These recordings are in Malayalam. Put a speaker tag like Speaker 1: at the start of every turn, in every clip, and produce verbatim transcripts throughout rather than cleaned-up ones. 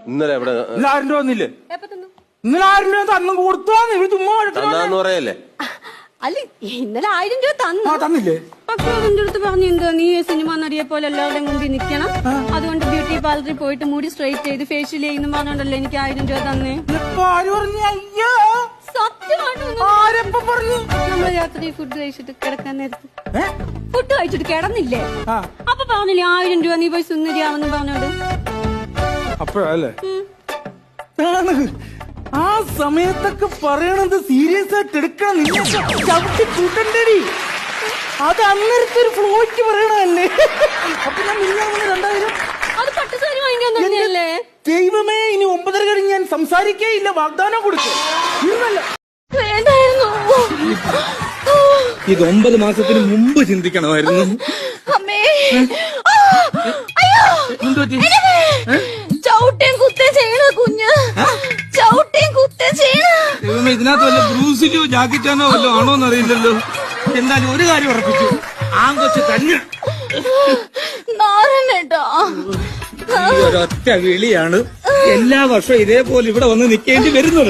Speaker 1: ഇന്നലെ എവിടെ
Speaker 2: ഇന്നലെ ആയിരം രൂപ വന്നില്ലേ? ഇന്നലെ ആയിരം രൂപ തന്നു കൊടുത്തോന്ന് ഇവര് ചുമ്മാ
Speaker 1: തന്നാന്ന് പറയല്ലേ?
Speaker 3: അല്ല ഇന്നലെ ആയിരം രൂപ തന്നു.
Speaker 2: തന്നില്ലേ?
Speaker 3: പക്ഷെ അതിന്റെ അടുത്ത് പറഞ്ഞു എന്തോ നീ സിനിമ നടിയെ പോലെ എല്ലാവരുടെയും മുമ്പിൽ നിക്കണം, അതുകൊണ്ട് ബ്യൂട്ടി പാർലറിൽ പോയിട്ട് മുടി സ്ട്രൈറ്റ് ചെയ്ത് ഫേഷ്യൽ ചെയ്യുന്നു പറഞ്ഞോണ്ടല്ലോ എനിക്ക് ആയിരം രൂപ തന്നേ. നമ്മള് രാത്രി ഫുഡ് കഴിച്ചിട്ട് കിടക്കാൻ നേരത്ത് ഫുഡ് കഴിച്ചിട്ട് കിടന്നില്ലേ, അപ്പൊ പറഞ്ഞില്ലേ ആയിരം രൂപ നീ പോയി സുന്ദരിയാവെന്ന് പറഞ്ഞോണ്ട്.
Speaker 2: അപ്പോഴല്ലേ ആ സമയത്തൊക്കെ പറയണത് സീരിയസ് ആയിട്ട് എടുക്കണം. ചവിട്ടി കൂട്ടണ്ടേടി, അത് അന്നേരത്തെ ഒരു ഫ്ലോയ്ക്ക് പറയണല്ലേ. അപ്പൊ ഞാൻ മിനിഞ്ഞാന്ന് രണ്ടായിരം
Speaker 3: അത് പട്ടുസാരി വാങ്ങിക്കാൻ തന്നെയല്ലേ.
Speaker 2: ദൈവമേ, ഇനി ഒമ്പതര കഴിഞ്ഞ് ഞാൻ സംസാരിക്കേ ഇല്ല, വാഗ്ദാനം കൊടുത്തു.
Speaker 3: വേണ്ടായിരുന്നു.
Speaker 2: ഇത് ഒമ്പത് മാസത്തിന് മുമ്പ് ചിന്തിക്കണമായിരുന്നു.
Speaker 3: അമ്മേ അയ്യോ, ചവിട്ടേം കുത്തേ ചെയ്യണ കുഞ്ഞ്, ചവിട്ടേം കുത്തേ ചെയ്യണ.
Speaker 2: ദൈവമേ, ഇതിനകത്ത് വല്ല ബ്രൂസിലോ ജാക്കറ്റാനോ വല്ലോ ആണോന്ന് അറിയില്ലല്ലോ. എന്തായാലും ഒരു കാര്യം ഉറപ്പിച്ചു, ആങ്കൊച്ച് തന്നെ.
Speaker 3: നാരനേട്ടാ,
Speaker 2: ഒരൊറ്റ വിളിയാണ് എല്ലാ വർഷവും ഇതേപോലെ ഇവിടെ വന്ന് നിൽക്കേണ്ടി വരുന്നത്.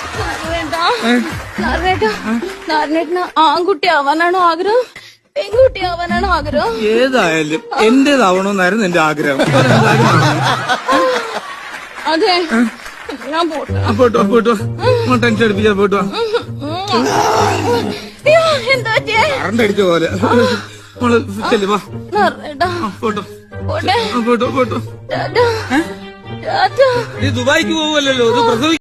Speaker 3: നാരനേട്ടന് ആൺകുട്ടി ആവാനാണോ ആഗ്രഹം, പെൺകുട്ടി ആവാനാണോ ആഗ്രഹം?
Speaker 2: ഏതായാലും എന്റേതാവണമെന്നായിരുന്നു എന്റെ ആഗ്രഹം.
Speaker 3: അതെ, ഞാൻ പോട്ടോ
Speaker 2: പോട്ടോ പോട്ടോ ടെൻഷൻ അടിപ്പിച്ചാ പോട്ടോ.
Speaker 3: എന്താ
Speaker 2: കറണ്ട് അടിച്ച പോലെ നമ്മള് ചെല്ലുവാ. പോട്ടോ പോട്ടോ പോട്ടോ. നീ ദുബായിക്ക് പോവല്ലോ, ഇത് പ്രസവി